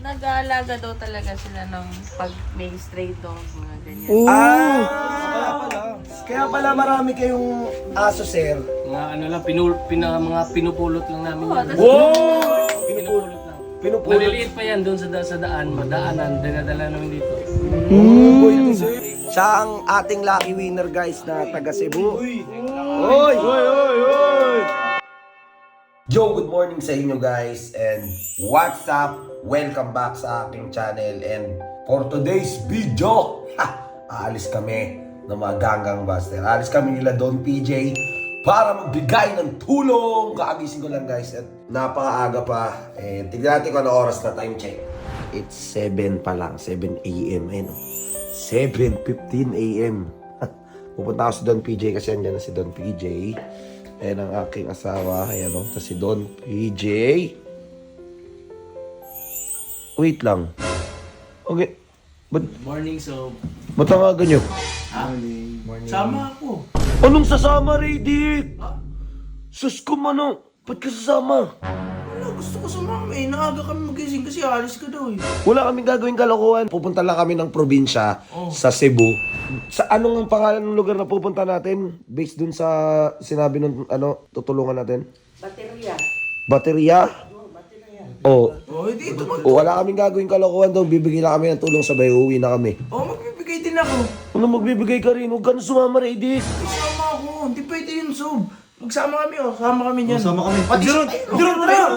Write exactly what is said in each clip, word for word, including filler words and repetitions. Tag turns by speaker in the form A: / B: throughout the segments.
A: nag-aalaga daw talaga sila ng pag may stray dog, mga ganyan.
B: Oh!
C: Ah! Kaya pala. Kaya pala marami kayong aso, sir.
D: Mga ano lang, pinul, pina, mga pinupulot lang namin.
A: Oo,
D: yan.
A: tas-
C: Wow!
D: Pinupulot lang.
C: Pinupulot.
D: Maliliit pa yan doon sa, da, sa daan, madaanan, dinadala namin dito.
C: Mm. Siya ang ating lucky winner, guys, na taga Cebu. Uy! Uy! Uy! Uy! Yo, good morning sa inyo, guys, and what's up? Welcome back sa aking channel, and for today's video, ha, aalis kami ng mga ganggang buster. Aalis kami nila Don P J para magbigay ng tulong. Kakagising ko lang, guys, at napakaaga pa. And tignan natin kung ano oras na. Time check. It's seven pa lang, seven a m Ayun, seven fifteen a m Pupunta ako si Don P J kasi andyan na si Don P J. Ayan ang aking asawa. Ayan o. Tapos si Don P J. Wait lang. Okay. Ba't,
D: Morning, so...
C: ba't tangagan nyo?
D: Morning. Morning. Sama ako.
C: Anong sasama, Radic? Sus ko, mano. Ba't ka sasama?
B: Wala, gusto ko sumama eh. Naaga kami magising kasi alis ka daw eh.
C: Wala kaming gagawing kalokohan. Pupunta lang kami ng probinsya sa Cebu. Sa anong ang pangalan ng lugar na pupunta natin? Based dun sa sinabi ng ano, tutulungan natin?
A: Baterya.
C: Baterya? Oo.
B: Oh, hindi ito mag...
C: O, wala kaming gagawing kalokohan daw. Bibigyan lang kami ng tulong sabay. Uuwi na kami.
B: Oh, magbibigay din ako.
C: Ano magbibigay ka rin? Huwag ka na sumama, Radic.
B: Isama ako. Hindi pwede yun, Sob. Magsama kami oh. Sama kami niyan.
E: Sama kami.
B: Pati Jeron! Jeron na yan!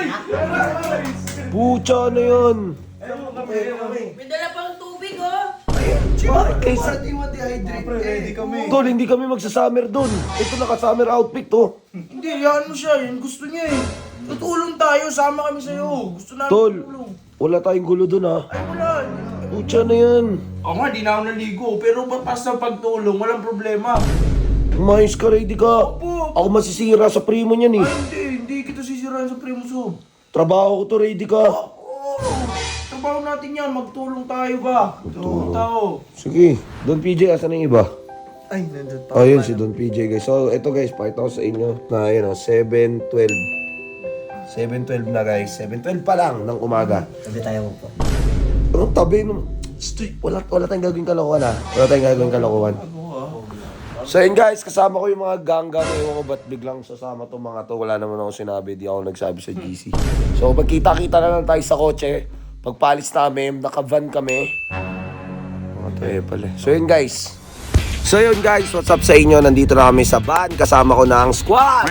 C: Pucha na yan.
A: May dala pang tubig, oh!
C: Bakit kaysa?
E: Ready kami.
C: Tol, hindi kami magsa-summer doon. Ito naka-summer outfit to.
B: Hindi, yan mo siya. Yan gusto niya eh. Tutulong tayo. Sama kami sa'yo. Gusto namin
C: Tol,
B: tutulong.
C: wala tayong gulo doon ha.
B: Ay, wala.
C: Pucha na yan.
B: Oo nga, di na ako naligo. Pero basta pagtulong, walang problema.
C: Umayos ka, ready ka.
B: Opo.
C: Ako masisira sa primo niyan eh.
B: Ay, hindi. Hindi kita sisirain sa primo, Sob.
C: Trabaho ko to, ready ka.
B: Oo. Trabaho natin yan. Magtulong tayo ba? Tulong tao.
C: Sige, Don P J, asan na yung iba?
E: Ay, nandun pa.
C: Ayun, si Don P J guys. So, ito guys, pakita ko sa inyo na yun o, seven twelve. seven twelve na guys. seven twelve pa lang ng umaga.
E: Sabi tayo po.
C: Anong tabi nung... Stoy, wala, wala tayong gagawin kalokohan ha. Wala tayong gagawin kalokohan. So yun guys, kasama ko yung mga ganggang. Ewan ko ba't biglang sasama tong mga to. Wala naman ako sinabi, di ako nagsabi sa G C. So magkita-kita na lang tayo sa kotse. Pagpalis namin, naka-van kami. Mga to eh pala. So yun guys. So yun guys, what's up sa inyo? Nandito na kami sa van. Kasama ko na ang squad.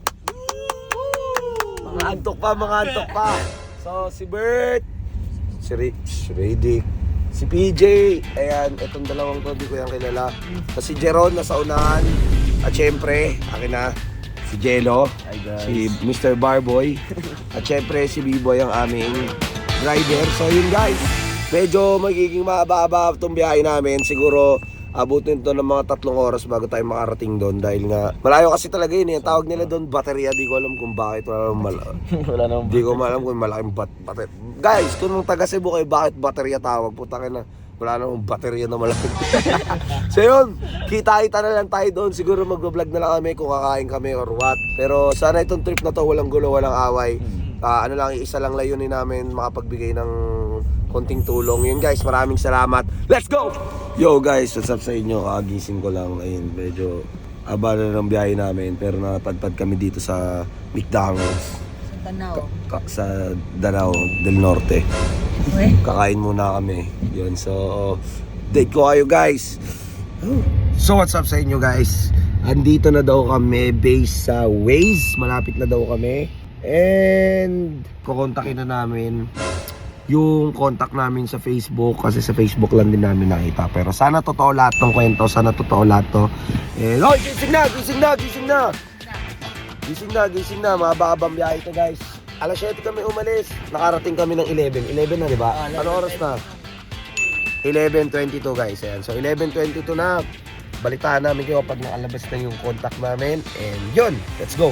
C: Mga antok pa, mga antok pa. So si Bert, si Rick, si Radic, si P J, ayan, itong dalawang to, di ko yan kilala. Tapos si Jeron, nasa unahan. At syempre, akin na, si Jello, si Mister Barboy. At syempre, si B-Boy ang aming driver. So yun guys, medyo magiging mahaba-haba itong biyahe namin. Siguro, abutin to ng mga tatlong oras bago tayo makarating doon. Dahil nga, malayo kasi talaga yun. Yung tawag nila doon, baterya. Di ko alam kung bakit. Wala namang mal-
D: Wala nang...
C: Di ko alam kung malaking bat bater. Guys, kung nung taga Cebu kayo, bakit baterya tawag? Putakin na, wala namang baterya na malaki. So yun, kita-kita na lang tayo doon. Siguro mag-vlog na lang kami kung kakain kami or what. Pero sana itong trip na to, walang gulo, walang away. Uh, ano lang, isa lang layunin namin, makapagbigay ng konting tulong. Yun guys, maraming salamat. Let's go! Yo guys, what's up sa inyo? Kagising ko lang. Ayun, medyo abala na ng biyahe namin. Pero napadpad kami dito sa McDonald's.
A: Tanaw.
C: Ka- sa Danao del Norte.
A: Uy.
C: Kakain muna kami. Yun, so date ko kayo guys. So what's up sa inyo guys? Andito na daw kami based sa Waze. Malapit na daw kami. And kukontakin na namin yung contact namin sa Facebook kasi sa Facebook lang din namin nakita. Pero sana totoo lahat ng kwento. Sana totoo lahat to. And oy, gising na, gising na, gising na. Gising na, gising na. Mahaba-habang biyahe ito guys. alas siyete kami umalis. Nakarating kami ng eleven. eleven na, di ba?
A: Ah,
C: Ano oras na? eleven twenty-two guys. Ayan. So eleven twenty-two na. Balitaan namin kayo pag nakalabas na yung contact namin. And yun, let's go.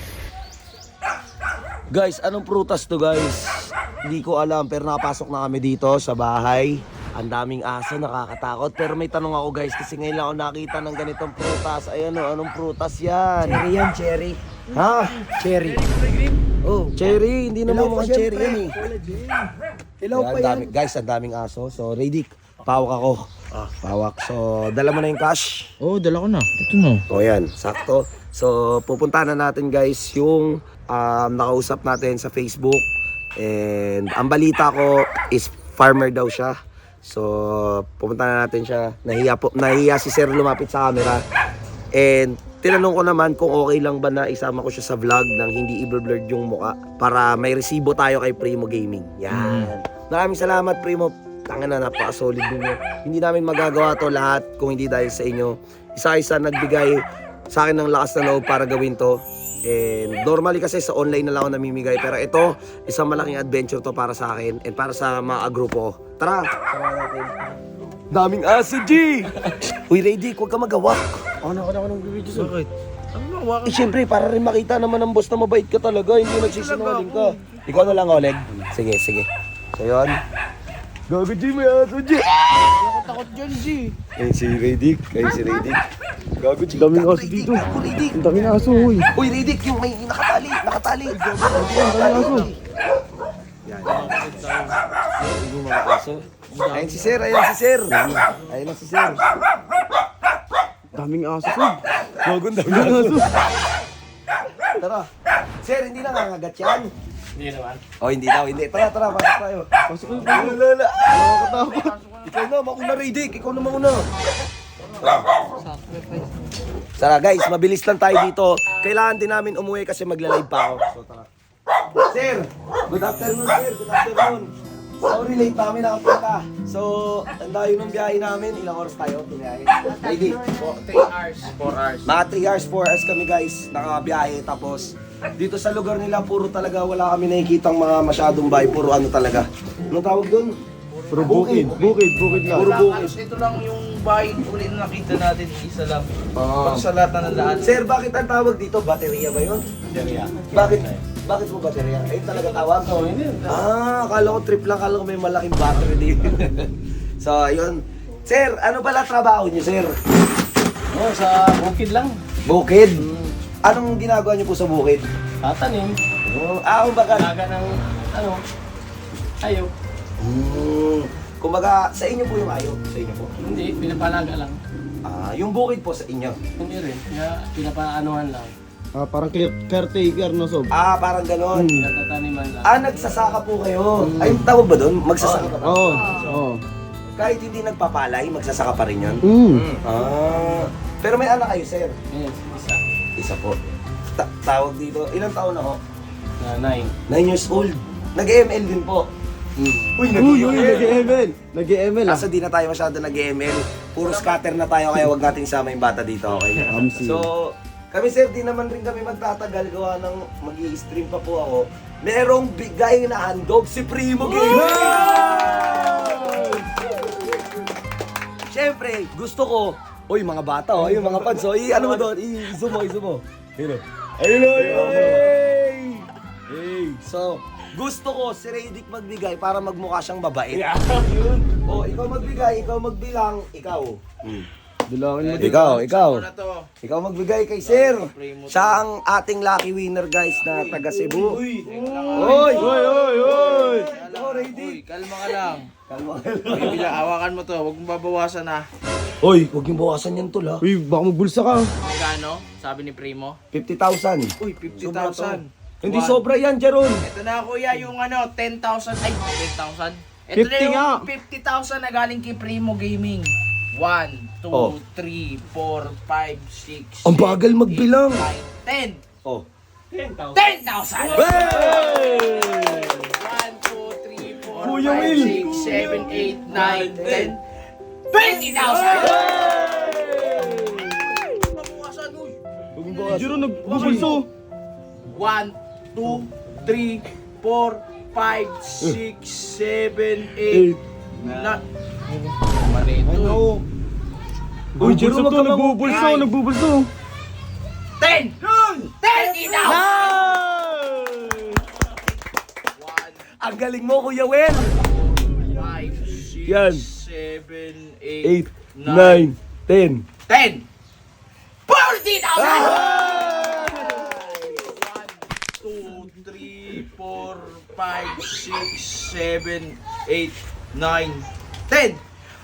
C: Guys, anong prutas to guys? Hindi ko alam, pero napasok na kami dito sa bahay. Ang daming aso, nakakatakot. Pero may tanong ako guys, kasi ngayon lang ako nakita ng ganitong prutas. Ayan o, anong prutas yan?
E: Cherry yan, cherry.
C: Ha?
E: Cherry.
C: Oh, cherry, hindi naman mukhang cherry yan eh.
B: Hilaw
C: Kaya
B: pa
C: ang
B: yan.
C: dami, guys, ang daming aso. So, Radic, pawak ako. Pawak. So, dala mo na yung cash.
B: Oo, oh, dala ko na. Ito na.
C: O yan, sakto. So, pupunta na natin guys yung um, nakausap natin sa Facebook. And ang balita ko is farmer daw siya. So, pupunta na natin siya. Nahiya, po, nahiya si Sir lumapit sa camera. And tinanong ko naman kung okay lang ba na isama ko siya sa vlog nang hindi i-blurred yung muka para may resibo tayo kay Primo Gaming. Yan. Maraming salamat Primo. Tanga na, napaka-solid ninyo. Hindi namin magagawa to lahat kung hindi dahil sa inyo. Isa-isa nagbigay sa akin ng lakas na loob para gawin to. And normally kasi sa online na lang ako namimigay. Pero ito, isang malaking adventure to para sa akin and para sa mga grupo. Tara! Tara natin. Daming aso, G! Uy, Radic, huwag ka magawak.
B: Ano ka na ako ng video sa? Bakit? Ano na, waka
C: Eh, syempre, para rin makita naman ng boss na mabait ka talaga. Hindi nagsisinungaling ka. Ikaw na lang, Oleg. Sige, sige. So, yun. Gago, G, may aso, G!
B: Ako takot dyan, G.
C: Ayun si Radic. Ayun si Radic. Gago, G. Daming aso dito. Gago, Radic.
B: Ang daming aso, uy.
C: Uy, Radic, yung may nakatali. Nakatali. Nakatali, aso. Yan. Yung mga aso. Ayun si Sir, ayun si Sir. Ayun na si Sir.
B: Daming aso, Sob.
C: Gago, daming aso. Tara. Sir, hindi na nangagat yan.
D: Hindi naman.
C: Oh, hindi daw, hindi. Tara, tara, pasok tayo. Pasok tayo. Lala. Nakakatakot. Ikaw na, mauna Radic. Ikaw na mauna.
A: Sacrifice.
C: Tara guys, mabilis lang tayo dito. Kailangan din namin umuwi kasi magla-live pa ako. So tara. Sir, good afternoon sir. Good afternoon. Sorry, late pa kami nakapunta. So, ang dayo ng biyahe namin. Ilang oras tayo? Biyahe? Ready?
B: three hours, four hours.
C: Mga three hours, four hours kami guys. Nakabiyahe. Tapos, dito sa lugar nila, puro talaga wala kami nakikitang mga masyadong bahay. Puro ano talaga. Anong tawag doon?
B: Puro bukid, bukid, bukid lang.
C: Puro bukid.
B: Ito lang yung bahay ulit na nakita natin, isa lang.
C: Ah.
B: Pag sa lahat na ng daan.
C: Sir, bakit ang tawag dito? Baterya ba yun?
D: Baterya.
C: Bakit? Bakit mo baterya? Ayun talaga tawag?
D: Oh, hindi.
C: Ah, akala ko trip lang. Akala ko may malaking battery dito. So, ayun. Sir, ano pala trabaho niyo, sir?
D: Oh, sa bukid lang.
C: Bukid? Anong ginagawa niyo po sa bukid?
D: Tatanim.
C: Oh, ah, kumbaga,
D: Laga ng, ano, ayaw.
C: hmm, kumbaga, sa inyo po yung ayo? Sa inyo po?
D: Hindi, pinapalaga lang.
C: Ah, yung bukid po sa inyo?
D: Hindi rin. Kaya pinapaanuhan lang.
E: Ah, parang clear, caretaker no, Sob?
C: Ah, parang ganon.
D: Pinatataniman lang.
C: Ah, nagsasaka po kayo. Ay, tawag ba doon? Magsasaka pa ba?
E: Oo. Oo.
C: Kahit hindi nagpapalay, magsasaka pa rin yun?
E: Mm.
C: Ah, pero may anak kayo, sir?
D: Yes, isa.
C: Isa po. Ta- tawag dito, ilang taon na ho?
D: Na nine.
C: nine years old. Nag-M L din po. Uy,
E: Uy, uy, nag-M L. Nag-M L ah.
C: Kaso di na tayo masyado nag-M L. Puro scatter na tayo kaya wag nating isama yung bata dito, okay?
E: Amsi.
C: So, kami sir, di naman rin kami magtatagal gawa ng mag-i-stream pa po ako. Merong bigay na handog si Primo Gaming! Siyempre, gusto ko, uy mga bata oh, yung mga fans oh, i ano mo doon, i-zoom mo, i-zoom mo. Ayun oh. Ayun oh, ayun oh. Hey! So, gusto ko si Radic magbigay para magmukha siyang babae. Yun. Oh, ikaw magbigay, ikaw magbilang, ikaw. Hmm.
E: Bilangin mo.
C: Ikaw, ikaw.
B: Ano na to?
C: Ikaw magbigay kay Sir. Siya ang ating lucky winner guys na taga Cebu.
B: Uy!
C: Oy! Oy, oy, oy! Oh,
B: Uy,
C: Radic.
B: kalma ka lang.
C: Kalma ka
B: Uy, bila, hawakan mo to. Huwag mong babawasan ha.
C: Oy, huwag yung bawasan yan tol ha.
E: Uy, baka magbulsa ka.
B: Magkano? Sabi ni Primo?
C: fifty thousand.
B: Uy, fifty thousand.
C: Hindi sobra yan, Jeron.
B: Ito na kuya, yung ano, ten thousand. Ay, ten thousand. Ito
E: fifty
B: na yung
E: nga.
B: fifty thousand na galing kay Primo Gaming. one, two,
C: Oh.
B: three, four, five, six,
C: Ang bagal magbilang.
B: ten.
C: Oh.
B: ten thousand!
C: Hey!
B: one, two, three, four,
C: Kuya
B: five,
C: Will.
B: six, seven, eight, nine, ten. twenty thousand! Mabukasan, uy!
E: Jiro, nagbubulso.
B: one, two, three, four, five, six, seven, eight, nine.
E: Ano? Uy, Jiro, wag ka nagbubulso,
B: Nine.
E: nagbubulso.
B: ten! thirty thousand! one,
C: Ang galing mo, Kuya Will.
B: five, six,
C: Yan.
B: seven,
C: eight,
B: eight,
C: nine, ten.
B: ten! forty thousand! one, two, three, four, five, six, seven, eight, nine, ten!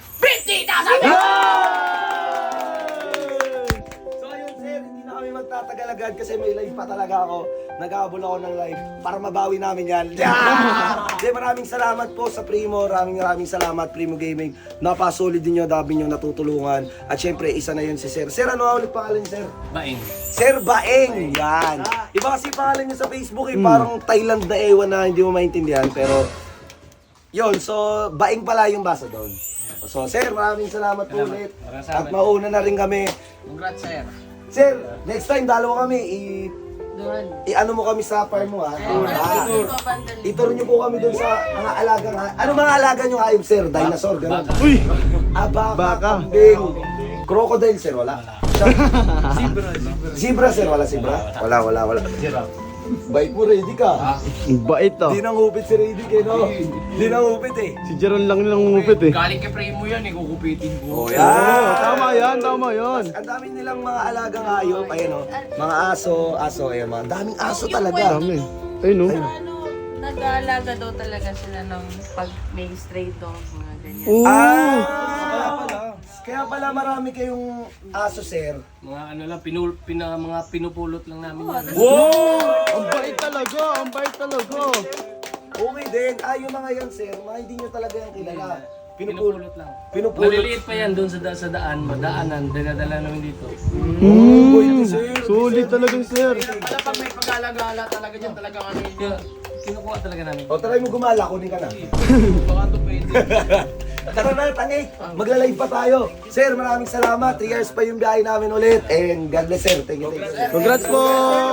C: So ayun sir, hindi na kami magtatagal agad kasi may live pa talaga ako. Nag-aabol ako ng live para mabawi namin yan. Yeah! Hindi, maraming salamat po sa Primo. Maraming maraming salamat Primo Gaming. Napasulit din nyo, dami nyo natutulungan. At syempre, isa na yun si Sir. Sir, ano nga ulit pangalan niyo, Sir?
D: Baing.
C: Sir Baeng! Yan! Iba kasi pangalan niya sa Facebook eh. Parang Thailand na ewan na hindi mo maintindihan. Pero, yun. So, Baeng pala yung basa doon. So, Sir, maraming salamat po
D: Salamat.
C: ulit.
D: Maraming
C: At
D: salamat.
C: mauna na rin kami.
D: Congrats, sir.
C: Sir, next time dalawa kami. I-
A: Doon.
C: I-ano mo kami sa farm mo ha?
A: Ano
C: Ah.
A: dito, Pandal?
C: Ituro niyo po kami doon sa mga alagang ha. Ano mga alaga niyo hayop sir? Dinosaur, gano'n.
D: Baka.
E: Uy!
C: Ah, baka,
E: Baka.
C: kambing. Crocodile sir, wala. Zebra, zebra sir, wala zebra? Wala, wala, wala. Bait mo, ready ka.
E: Ang bait ah.
C: Di nang upit si Ready eh, no? Di nang upit eh.
E: Si Jeron lang nilang umupit eh.
D: Galing kay Primo yan, eh, kukupitin ko.
C: Oh,
E: Oo,
C: yan.
E: tama yan, tama yan.
C: Ang dami nilang mga alagang hayop, ayan o. Mga aso, aso, ayan mga. Daming aso
A: Yung
C: talaga.
E: Dami. Ayun oh.
A: Ano, nag-aalaga daw talaga sila ng pag may stray dog, mga ganyan.
E: Oo.
C: Ah, kaya pala. Kaya pala marami kayong aso, sir.
D: Mga ano lang, pinul, pina, mga pinupulot lang namin yan.
E: Ang bait talaga, ang bait talaga.
C: Okay din. Ah, yung mga yan, sir, mga hindi nyo talaga yan kilala. Pinupulot.
D: Pinupulot lang.
C: Pinupulot.
D: Maliliit pa yan doon sa, da- sa daan, madaanan, dinadala namin dito.
E: Mm. Sulit talaga sir.
D: Pala pag may pag-alagala talaga dyan, talaga ano yun. Kinukuha talaga namin.
C: O, try mo gumala, kunin ka na.
D: Baka ito pwede.
C: Tara na, tangi. Magla-live pa tayo. Sir, maraming salamat. three years pa yung biyahe namin ulit. And God bless, sir. Thank you, thank you.
E: Congrats po!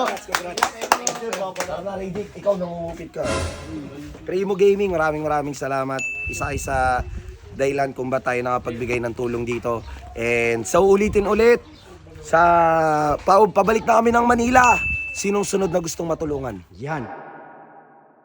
C: Tara na, Radic. Ikaw, nangungupit ka. Primo Gaming, maraming maraming salamat. Isa-isa dahilan kung ba tayo nakapagbigay ng tulong dito. And so, ulitin ulit. Sa pa, pabalik na kami ng Manila. Sinong sunod na gustong matulungan? Yan.